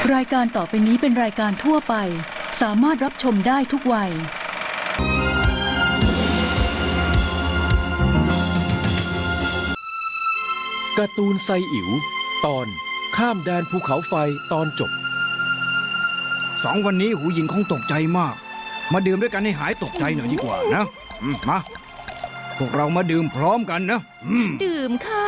รายการต่อไปนี้เป็นรายการทั่วไปสามารถรับชมได้ทุกวัยการ์ตูนไซอิ๋วตอนข้ามแดนภูเขาไฟตอนจบ 2 วันนี้หูหญิงคงตกใจมาก มาดื่มด้วยกันให้หายตกใจหน่อยดีกว่านะมาพวกเรามาดื่มพร้อมกันนะดื่มค่ะ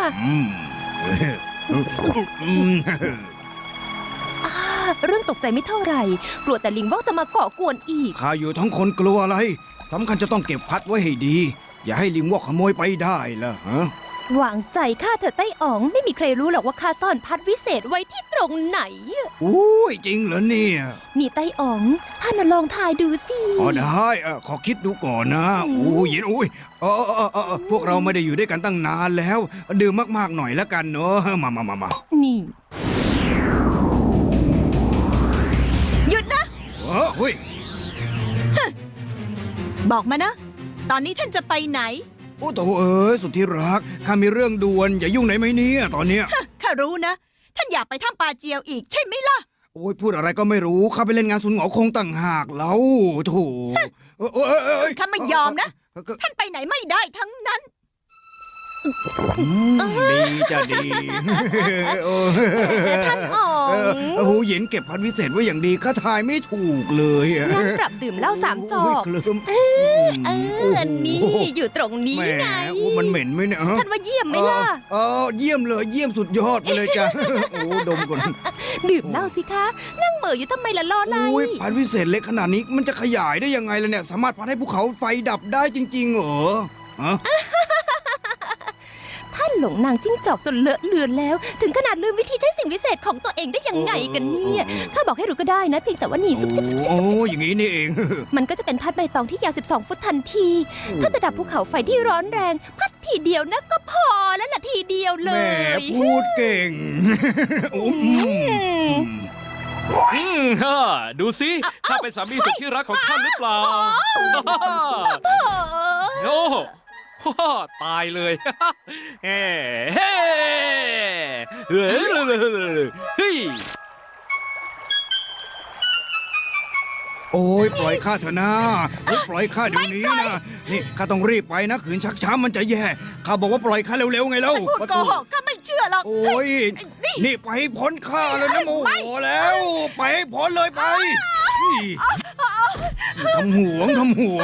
เรื่องตกใจไม่เท่าไหร่กลัวแต่ลิงวอกจะมาเกาะกวนอีกข้าอยู่ทั้งคนกลัวอะไรสำคัญจะต้องเก็บพัดไว้ให้ดีอย่าให้ลิงวอกขโมยไปได้ล่ะฮะวางใจข้าเถอะไต้อ๋องไม่มีใครรู้หรอกว่าข้าซ่อนพัดวิเศษไว้ที่ตรงไหนอุ้ยจริงเหรอเนี่ยนี่ไต้อ๋องท่านลองทายดูสิได้ขอคิดดูก่อนนะอู้ยินอุ้ยพวกเราไม่ได้อยู่ด้วยกันตั้งนานแล้วดื่มมากๆหน่อยแล้วกันเนอะมานี่หยุดนะเฮ้ยบอกมานะตอนนี้ท่านจะไปไหนโอ้โถสุดที่รักข้ามีเรื่องด่วนอย่ายุ่งไหนไหมเนี่ยตอนเนี้ยข้ารู้นะท่านอยากไปถ้ำปาเจียวอีกใช่ไหมล่ะโอ้ยพูดอะไรก็ไม่รู้ข้าไปเล่นงานสุนหงอคงต่างหากแล้วโถข้าไม่ยอมนะท่านไปไหนไม่ได้ทั้งนั้นดีจะดีท่านอ๋องหูหยินเก็บพัดวิเศษไว้อย่างดีข้าทายไม่ถูกเลยงั้นปรับดื่มเหล้า3 จอกนี่อยู่ตรงนี้ไงมันเหม็นไหมเนี่ยท่านว่าเยี่ยมไหมล่ะเยี่ยมเลยเยี่ยมสุดยอดไปเลยจ้ะโอ้ดมก่อนดื่มเหล้าสิคะนั่งเหม่ออยู่ทำไมล่ะรออะไรพัดวิเศษเล็กขนาดนี้มันจะขยายได้ยังไงล่ะเนี่ยสามารถพัดให้ภูเขาไฟดับได้จริงๆเหรอท่านหลงนางจิ้งจอกจนเลอะเลือนแล้วถึงขนาดลืมวิธีใช้สิ่งวิเศษของตัวเองได้ยังไงกันเนี่ยข้าบอกให้รู้ก็ได้นะเพียงแต่ว่านี่ซุบซิบโอ้อย่างนี้นี่เองมันก็จะเป็นพัดใบตองที่ยาว12 ฟุตทันทีถ้าจะดับภูเขาไฟที่ร้อนแรงพัดทีเดียวนะก็พอแล้วล่ะทีเดียวเลยแม่พูดเก่งดูสิข้าเป็นสามีสุดที่รักของท่านหรือเปล่าโอ้ตายเลยเฮ้โอ้ยปล่อยข้าเถอะนะปล่อยข้าเดี๋ยวนี้นะนี่ข้าต้องรีบไปนะขืนชักช้ามันจะแย่ข้าบอกว่าปล่อยข้าเร็วๆไงเล่าพูดโกหกข้าไม่เชื่อหรอกโอ้ยนี่ไปให้พ้นข้าเลยนะโมโหแล้วไปให้พ้นเลยไปทำห่วง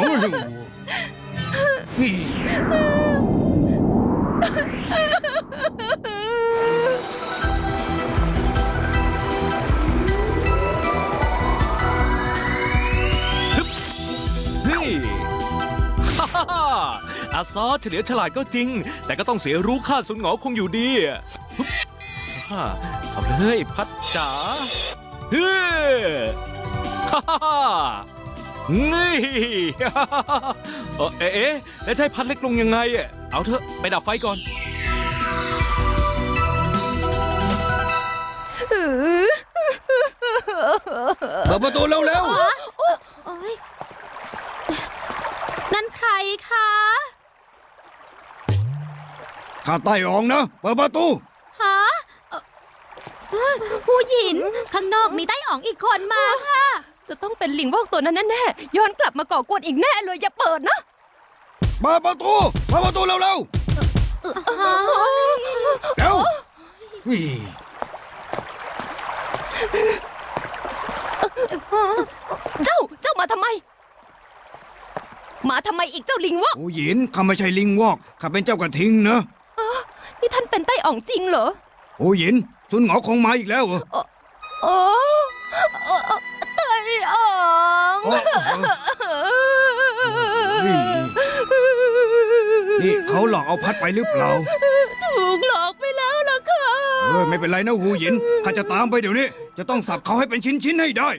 อาซอเฉลียวฉลาดก็จริงแต่ก็ต้องเสียรู้ค่าสุนหงอคงอยู่ดีทำเลยพัดจ๋านี่แล้วจะให้พัดเล็กลงยังไงเอาเถอะไปดับไฟก่อนเปิดประตูเร็วนั่นใครคะข้าไต่อองนะเปิดประตูฮะผู้หญิงข้างนอกมีไต้อ๋องอีกคนมาค่ะจะต้องเป็นลิงวอกตัวนั้นแน่ๆย้อนกลับมาก่อกวนอีกแน่เลยอย่าเปิดนะเปิดประตูเร็วเร็วเจ้ามาทำไมอีกเจ้าลิงวอกโอ้หยินข้าไม่ใช่ลิงวอกข้าเป็นเจ้ากระทิงนะนี่ท่านเป็นไต้อ๋องจริงเหรอโอ้หยินสุนหงอคงมาอีกแล้วเหรอไต้อ๋องนี่เขาหลอกเอาพัดไปหรือเปล่าถูกหลอกไปแล้วล่ะค่ะไม่เป็นไรนะหูหยินข้าจะตามไปเดี๋ยวนี้จะต้องสับเขาให้เป็นชิ้นให้ได้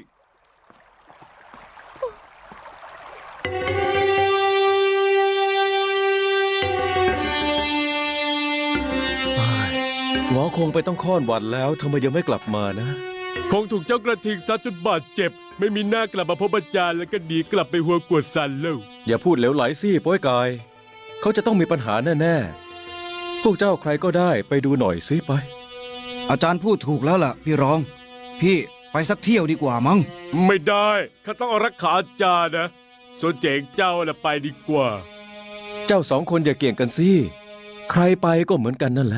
หงอคงไปต้องค่อนวันแล้วทำไมยังไม่กลับมานะคงถูกเจ้ากระทิงซัดจนบาดเจ็บไม่มีหน้ากลับมาพบอาจารย์แล้วก็ดีกลับไปหัวกวดสันแล้วอย่าพูดเหลวไหลสิโป้ยกายเขาจะต้องมีปัญหาแน่ๆพวกเจ้าใครก็ได้ไปดูหน่อยสิไปอาจารย์พูดถูกแล้วล่ะพี่รองพี่ไปสักเที่ยวดีกว่ามั้งไม่ได้ข้าต้องเอารักขาอาจารย์นะส่วนเจ๋งเจ้าน่ะไปดีกว่าเจ้าสองคนอย่าเกี่ยงกันสิ ใครไปก็เหมือนกันนั่นแหละ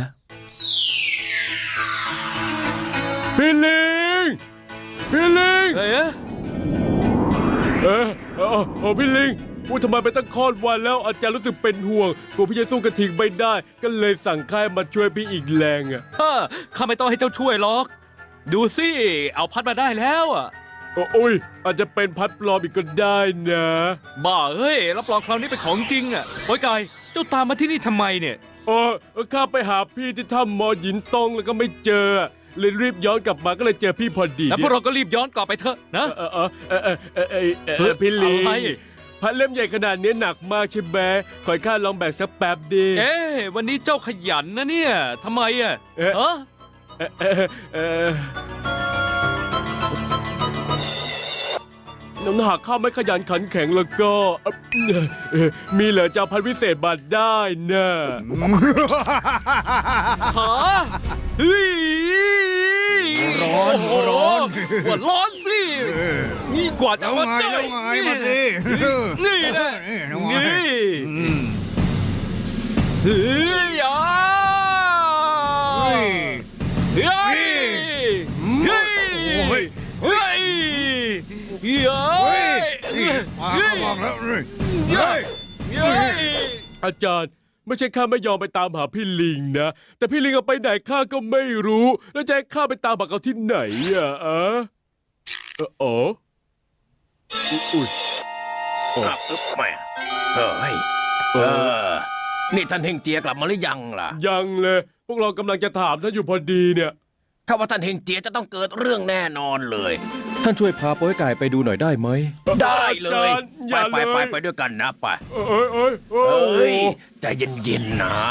พี่ลิง พี่ลิงเอ๊ะพี่ลิงพูดทำไมไปตั้งคลอดวันแล้วอาจารย์รู้สึกเป็นห่วงกลัวพี่จะสู้กระทิงไม่ได้ ก็เลยสั่งค่ายมาช่วยพี่อีกแรงอ่ะข้าไม่ต้องให้เจ้าช่วยหรอก ดูสิ เอาพัดมาได้แล้วอ่ะโอ้ยอาจจะเป็นพัดปลอมอีกก็ได้นะบ้าเฮ้ยรับรองคราวนี้เป็นของจริงอ่ะโอ้ยกายเจ้าตามมาที่นี่ทำไมเนี่ยข้าไปหาพี่ที่ถ้ำมอหยินตงแล้วก็ไม่เจอเลยรีบย้อนกลับมาก็เลยเจอพี่พอดีแล้วพวกเราก็รีบย้อนกลับไปเถอะนะพี่ลิงอะไรพัดเล่มใหญ่ขนาดนี้หนักมากใช่ไหมขอให้ข้าลองแบกสักแป๊บดีเอ๊ะวันนี้เจ้าขยันนะเนี่ยทำไมอ่ะเอ๊ะเออหากข้าไม่ขยันขันแข็งแล้วก็มีเหลือจะเอาพันวิเศษมาได้นะหาเฮ้ยร้อนโอ้โหร้อนว่าร้อนสินี่กว่าจะแล้วมาไงได้แล้วไงมาสินี่นะแล้วไงนี่อืมเฮ้ยอ่ะเฮ้ยเฮ้ยเฮ้ยโอ้ยเฮ้ยเฮ้ยเฮ้ยนี่มาเขาบอกแล้วเฮ้ยเฮ้ยเฮ้ยอาจารย์ไม่ใช่ข้าไม่ยอมไปตามหาพี่ลิงนะแต่พี่ลิงเอาไปไหนข้าก็ไม่รู้แล้วจะให้ข้าไปตามหาเขาที่ไหนอ๋ออุ้ยแม่เฮ้ยนี่ท่านเฮงเจียกลับมาหรือยังล่ะยังเลยพวกเรากำลังจะถามท่านอยู่พอดีเนี่ยถ้าว่าท่านเฮงเจียจะต้องเกิดเรื่องแน่นอนเลยท่านช่วยพาโป้ยไก่ไปดูหน่อยได้ไหมได้เลอาย จารย์อย่าไปเลยไปด้วยกันนะไปเอ้ยเอ้ยใจเย็นๆนะ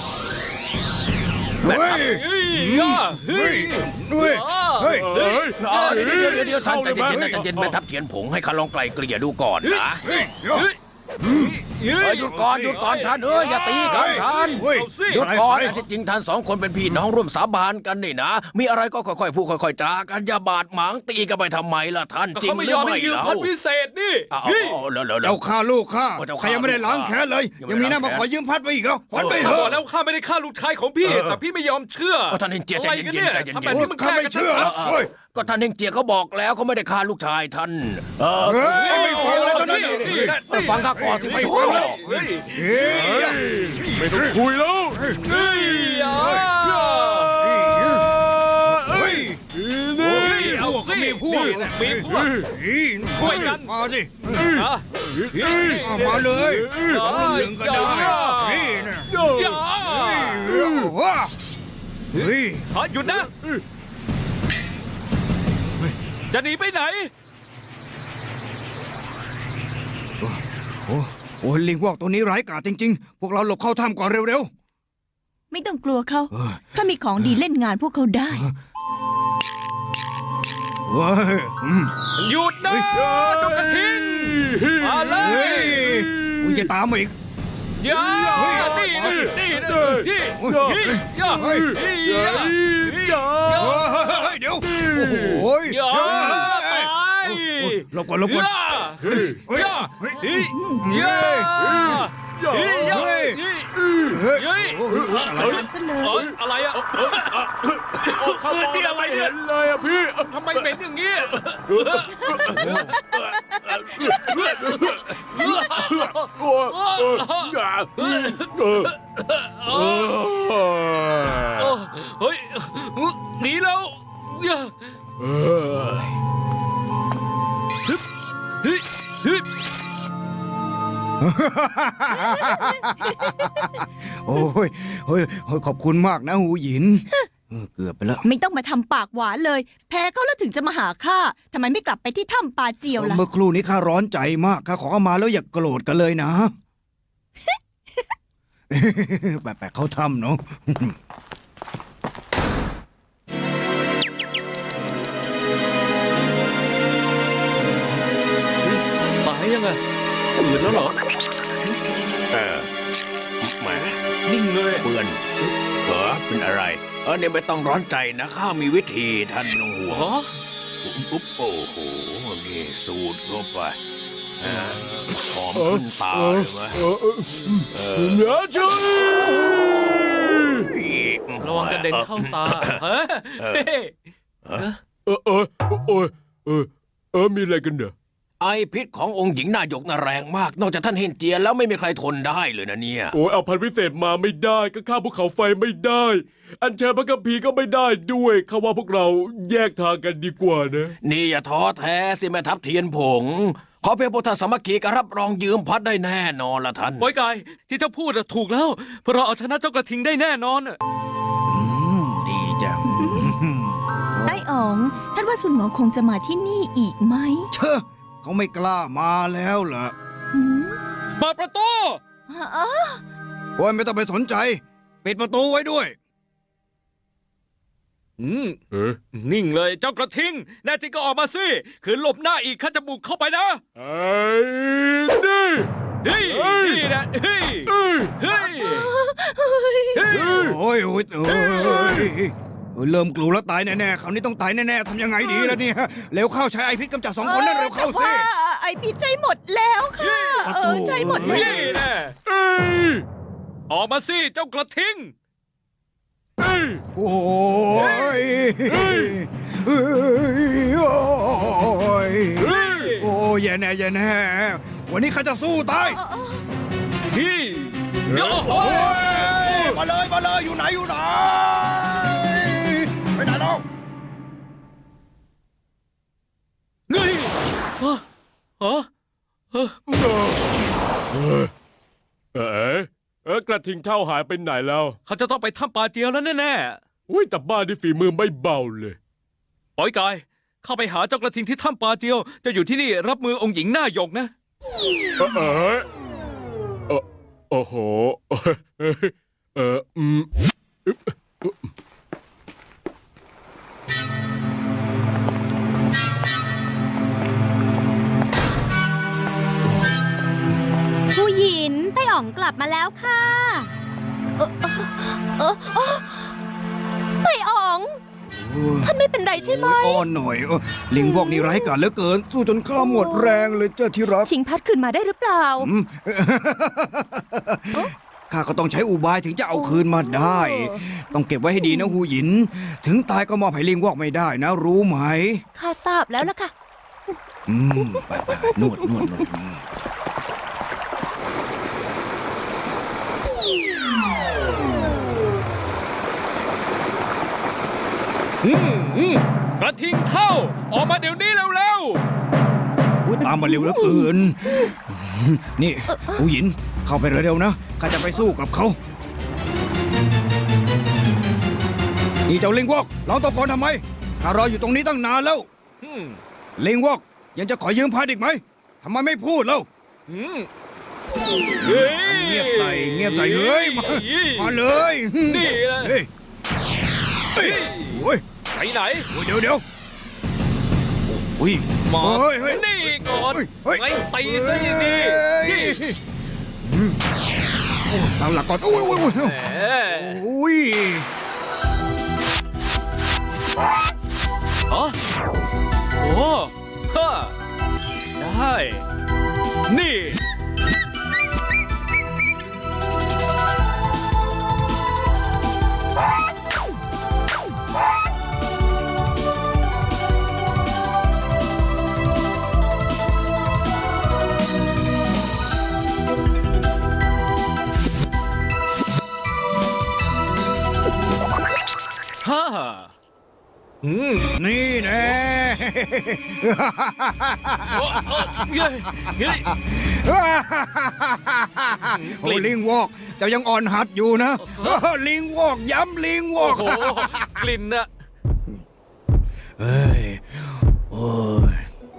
แม่เฮ้ทัพยเฮ้ยอ่ะเฮ้ยเฮ้ยเฮ้ยเอ้ยเดี๋ยวท่านใจเย็นๆนะใจเย็นแม่ทัพเทียนผงให้ข้าลองไกลเกลี่ยดูก่อนนะเฮ้ยเดี๋ยวหยุดก่อนท่านอย่าตีกันท่านเฮ้ยเอาสิหยุดก่อนเฮ้ยที่จริงท่านสองคนเป็นพี่น้องร่วมสาบานกันนี่นะ มีอะไรก็ค่อยๆพูดค่อยๆจากันอย่าบาดหมางตีกันไปทำไมล่ะท่านก็จริงเขาหไม่รืยออมไม่ให้ยืมเล่าพัดพิเศษนี่เอาเฮ้ยแล้วเจ้าฆ่าลูกข้าเจ้าใครฆ่ายังไม่ได้ล้างแค้นเลยยังยังไม่มีหน้ามาล้างขแค้อน ยืมพัดไปอีกเหรอฝันไปเถข้าบออะกแล้วข้าไม่ได้ฆ่าลูกชายของพี่ แต่พี่ไม่ยอมเชื่อท่านเฮงเจียใจอะไรเย็นกันๆเนี่ยใจเย็นทำแบบๆนี้มันข้าไม่เชื่อเฮ้ยก็ท่านเฮงเจียเขาบอกแล้วเขาไม่ได้ฆ่าลูกชายท่านเฮ้ยไม่ฟังแล้วตอนนั้นฟังข้าก่อนสิไม่ไม่ฟัฟังงแล้วเฮ้ยเฮ้ยไม่ต้องคุยแล้วเฮ้ยอ่ะเฮ้ยนี่เอาสิมีพวกมีพวก ช่วยกันมาสิอ่ะเฮ้ยเอามาเลยเอาหนึ่งก็ได้นี่นะอย่าเฮ้ยขอหยุดนะ จะหนีไปไหนโอ้ลิงพวกตัวนี้ร้ายกาจจริงๆ พวกเราหลบเข้าถ้ำก่อนเร็วไม่ต้องกลัวเขาๆเออข้ามีของดีเล่นงานพวกเขาได้เฮ้ยหยุดนะเจ้ากระทิงมาเลเฮ้ยยมึงจะตามมาอีกอย่าเฮ้ยนี่นะนี่นะนี่เฮ้ยอย่าเฮ้ยอย่าเฮ้ยเดี๋ยวโอ้โหอย่าไปหลบก่อนหลบก่อนเฮ้ยเฮ้ยอย่าเฮ้ยเฮ้ยเฮ้ยอย่าเฮ้ยอย่าเฮ้ยเฮ้ยเฮ้ยอะไรตามซะเลยอะไรอ่ะเขามองนี่อะไรไม่เนี่เห็ยนเลยอะพี่ทำไมเหม็นอย่างนี้ เฮ้ยหนีแล้วเฮ้ยเฮ้ยโอ้ยเฮ้ยขอบคุณมากนะหูหยินเกือบไปแล้วไม่ต้องมาทำปากหวานเลย แพ้เขาแล้วถึงจะมาหาข้าทำไมไม่กลับไปที่ถ้ำปาเจียวล่ะเมื่อครู่นี้ข้าร้อนใจมากข้าขอเข้ามาแล้วอย่าโกรธกันเลยนะ แปลกๆเขาทำเนาะตายยังไงตื่นแล้วเหรอแหมนิ่งเลยเปื่อนเป็นอะไรเนี่ยไม่ต้องร้อนใจนะข้ามีวิธีท่านไม่ต้องห่วงอ๋ออุ๊บโอ้โหนี่สูดเข้าไปหอมขึ้นตาเลยไหมเหนือจุระวังกระเด็นเข้าตาเฮ้ยมีอะไรกันเนี่ยไอพิษขององค์หญิงนายกน่ะแรงมาก นอกจากท่านเฮนเจียแล้วไม่มีใครทนได้เลยนะเนี่ยโอ้ยเอาพันธุ์พิเศษมาไม่ได้ก็ข้ามภูเขาไฟไม่ได้ อัญเชิญพระกัมภีร์ก็ไม่ได้ด้วยเขาว่าพวกเราแยกทางกันดีกว่านะนี่อย่าท้อแท้สิแม่ทัพเทียนผง ขอเพียงพุทธสามัคคีก็รับรองยืมพัดได้แน่นอนละท่านปอยกายที่เจ้าพูดถูกแล้วเพราะเราเอาชนะเจ้ากระทิงได้แน่นอนดีจังไอ้อ๋อง ท่านว่าสุนหงอคงจะมาที่นี่อีกไหมเชอะเขาไม่กล้ามาแล้วเหรอหืมเปิดประตูอ๋อโอ้ยไม่ต้องไปสนใจ ปิดประตูไว้ด้วยนิ่งเลยเจ้ากระทิงแน่จริงก็ออกมาสิขืนหลบหน้าอีกข้าจะบุกเข้าไปนะไอ้นี่เฮ้ยนี่นะเฮ้ยเฮ้ยโอ้ยเริ่มกลัวแล้วตายแน่ๆคราวนี้ต้องตายแน่ๆทำยังไงดีล่ะเนี่ยเร็วเข้าใช้ไอพิษกำจัด2 คนนั่นเร็วเข้าสิแต่ว่าไอ้พิษใจหมดแล้วค่ะประตูใจหมดแล้วนี่นะออกมาสิเจ้ากระทิงโอ้ยโอ้ยโอ้ยแย่แน่แย่แน่วันนี้ข้าจะสู้ตายพี่โอ้โหโอ้ยมาเลยอยู่ไหนไปไหนแล้วเฮ้ยกระทิงเท่าหายไปไหนแล้วเขาจะต้องไปถ้ำปลาเจียวแล้วแน่อุ้ยแต่บ้านที่ฝีมือไม่เบาเลยๆปอยกายเข้าไปหาเจ้ากระทิงที่ถ้ำปลาเจียวจะอยู่ที่นี่รับมือองค์หญิงหน้าหยกนะโอ้โหผู้หญิงไต้อ๋องกลับมาแล้วค่ะไต้อ๋อง ท่านไม่เป็นไรใช่ไหมอ้อนหน่อยลิงพวกนี้ร้ายกาจเหลือเกิน สู้จนข้าหมดแรงเลยเจ้าที่รักชิงพัดคืนมาได้หรือเปล่าข้าก็ต้องใช้อุบายถึงจะเอาคืนมาได้ ต้องเก็บไว้ให้ดีนะหูหยิน ถึงตายก็มอบให้ลิงวอกไม่ได้นะ รู้ไหมข้าทราบแล้วล่ะค่ะไปนวดกระทิงเข้าออกมาเดี๋ยวนี้เร็วอุ๊ยตามมาเร็วเหลือเกิน นี่หูหยินเข้าไปเร็วๆนะข้าจะไปสู้กับเขานี่เจ้าลิงวอกร้องตะโกนทำไมข้ารออยู่ตรงนี้ตั้งนานแล้วๆลิงวอกยังจะขอยืมพัดอีกไหมทำไมไม่พูดแล้ว เงียบใส่เฮ้ยมาเลยนี่เลยเฮ้ยโอ้ยไปไหนเดี๋ยวอุ้ยหมอเฮ้ยนี่ก่อนเฮ้ยไว้ตีซะดีๆนี่ตั้งหลักก่อนโอ้ยแหมโอ้ยอ๋อโอ้ฮะได้นี่ ฮ่านี่แน่เย้เย้โอ้ลิงวอกเจ้ายังอ่อนหัดอยู่นะ ลิงวอกย้ำลิงวอโอ้กโหกลิ่นน่ะเฮ้ยโอ้ย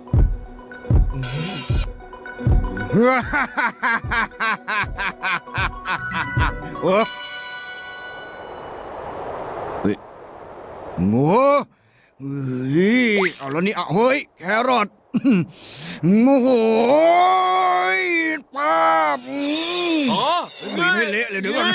เฮ้ยงัวเฮ้ยเอาแล้วนี่เอาเฮ้ยแครอทโอ้โหป้าบอ๋อบีบให้เละเลยเดี๋ยวก่อน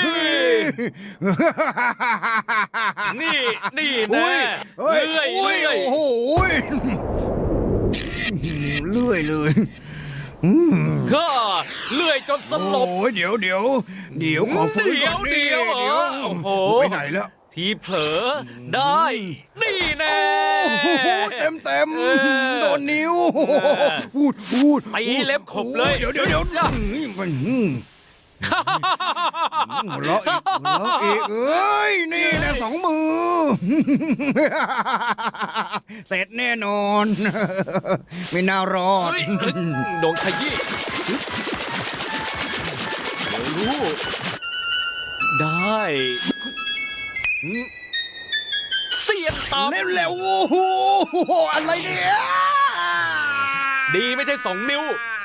นี่อุ้แน่ยเฮ้ยเลื่อยอุ้ยเลื่อยโอ้โหเลื่อยเลยอืมก็เลื่อยจนสลบโอ้ยเดี๋ยวขอฟื้นก่อนเดี๋ยวเหรอโอ้โหไปไหนแล้วทีเผลอได้ นี่แน่โอ้โหเต็มเออโดนนิ้วพูดตีเล็บขบเลยเดี๋ยวมันหัวเราะอีกเอ้ยนี่นะสองมือ เสร็จแน่นอน ไม่น่ารอดเฮ้ยโดนขยี้เดี๋ยวรู้ได้เสียนตามเร็วๆโอ้โหอะไรเนี่ยดีไม่ใช่2 นิ้ว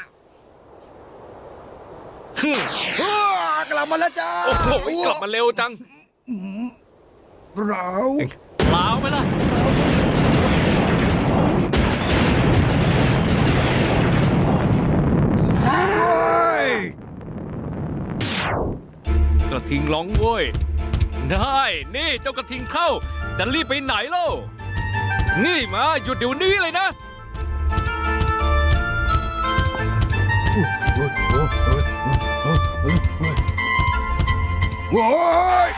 ฮึ่มกลับมาแล้วจ้าโอ้โหกลับมาเร็วจังเราเปล่าไหมล่ะเฮ้ยกระทิงร้องโว้ยได้นี่เจ้ากระทิงเข้าจะรีบไปไหนเล่านี่มาหยุดเดี๋ยวนี้เลยนะโอ้ย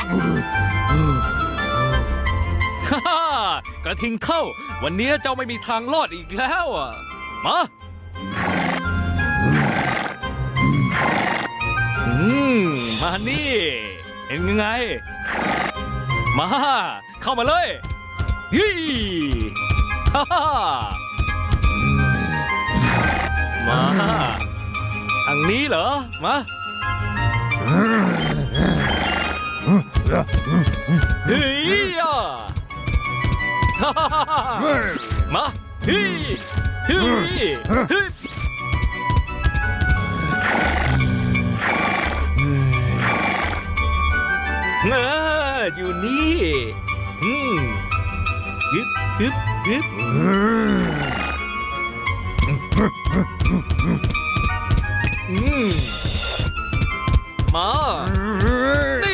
ฮ่าฮ่ากระทิงเข้า วันนี้เจ้าไม่มีทางรอดอีกแล้วอ่ะมามานี่เป็นยังไง มาเข้ามาเลยยี่ฮ่าฮ่ามาทางนี้เหรอมาเฮ้ยอ่ะฮ่าฮ่าฮ่ามาเฮ้ยเฮ้ยเฮ้ยอยู่นี่ฮึบฮึบฮึบมานี่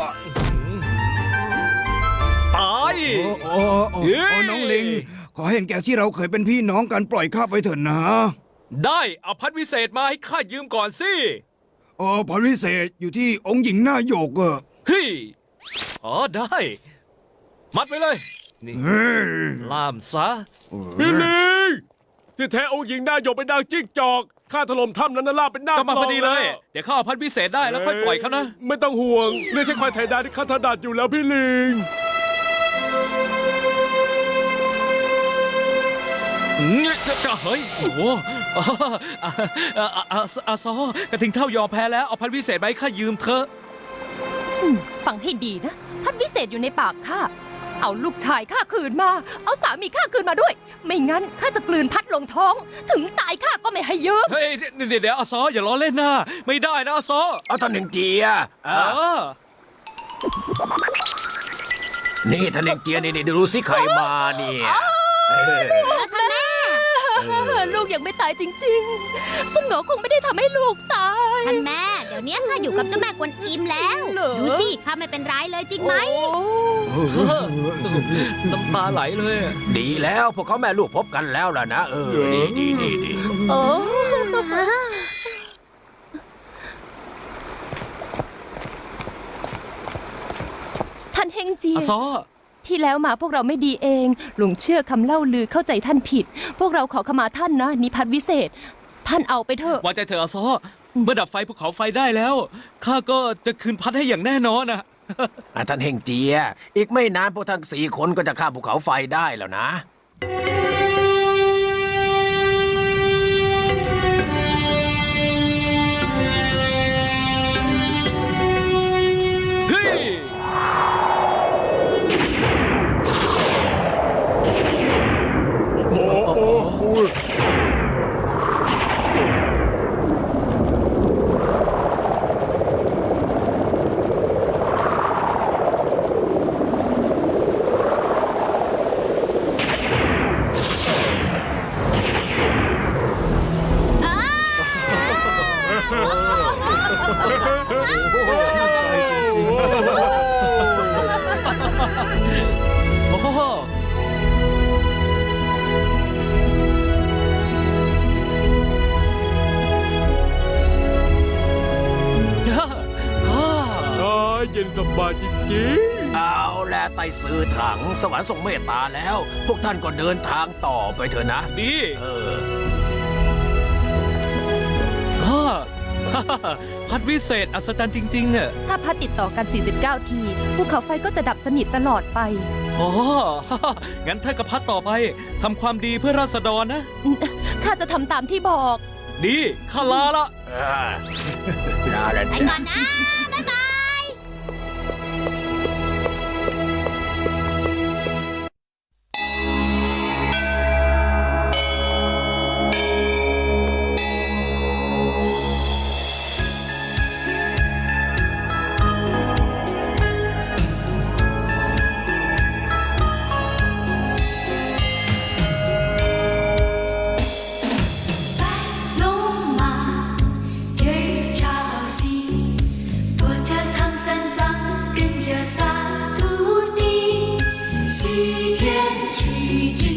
ตายโอ้น้องลิง ขอเห็นแก่ที่เราเคยเป็นพี่น้องกันปล่อยข้าไปเถอะนะได้เอาพัดวิเศษมาให้ข้ายืมก่อนสิพรวิเศษอยู่ที่องค์หญิงหน้าโยกอะเฮ้ยอ๋อได้ มัดไว้เลย นี่เฮ้ยล่ามซะพี่ลิงที่แท้องค์หญิงหน้าหยกเป็นนางจิ้งจอกข้าถล่มถ้ำนั้นน่ะลาบเป็นหน้าก็มาพอดีเลยปองแวเดี๋ยวข้าเอาพัดวิเศษได้แล้วค่อยปล่อยเขานะไม่ต้องห่วงเรื่องใช้ควายไถนาที่ข้าถนัดอยู่แล้วพี่ลิงจะเฮ้ยโอ้โหอาซอกระทิงเท่ายอมแพ้แล้วเอาพัดวิเศษไปให้ข้ายืมเถอะฟังให้ดีนะ พัดวิเศษอยู่ในปากข้า เอาลูกชายข้าคืนมา เอาสามีข้าคืนมาด้วย ไม่งั้นข้าจะกลืนพัดลงท้อง ถึงตายข้าก็ไม่ให้ยืมเฮ้ยเดี๋ยวอาซออย่าล้อเล่นนะไม่ได้นะอาซอเอาท่านเฮงเจียเออนี่ท่านเฮงเจียนี่ดูสิใครมาเนี่ยเออลูกยังไม่ตายจริงๆสนอคงไม่ได้ทำให้ลูกตายท่านแม่ เดี๋ยวนี้ข้าอยู่กับเจ้าแม่กวนอิมแล้วจริงเหรอดูสิข้าไม่เป็นไรเลยจริงไหมน้ำตาไหลเลยอะดีแล้วพวกเขาแม่ลูกพบกันแล้วล่ะนะดีโอ้ ท่านเฮงเจียอาซอที่แล้วมาพวกเราไม่ดีเอง หลงเชื่อคำเล่าลือเข้าใจท่านผิด พวกเราขอขมาท่านนะนิพัฒน์วิเศษ ท่านเอาไปเถอะวางใจเถอะอาซอเมื่อดับไฟภูเขาไฟได้แล้วข้าก็จะคืนพัดให้อย่างแน่นอนนะท่านเฮงเจีย อีกไม่นานพวกทั้ง4 คนก็จะข้ามภูเขาไฟได้แล้วนะเฮ้ย โอ้โหบายจริงเอาแลไต่ซื้อถังสวรรค์ทรงเมตตาแล้ว พวกท่านก็เดินทางต่อไปเถอะนะดีเออฮ่า พัดวิเศษอัศจรรย์จริงๆอ่ะถ้าพัดติดต่อกัน 49 ทีภูเขาไฟก็จะดับสนิทตลอดไปอ๋อ งั้นท่านก็พัดต่อไปทำความดีเพื่อราษฎรนะข้าจะทำตามที่บอกดีข้าลาละลาแล้วไปก่อนนะ บ๊ายบาย龙马给茶好戏，驮着唐三藏，跟着仨徒弟，西天取经。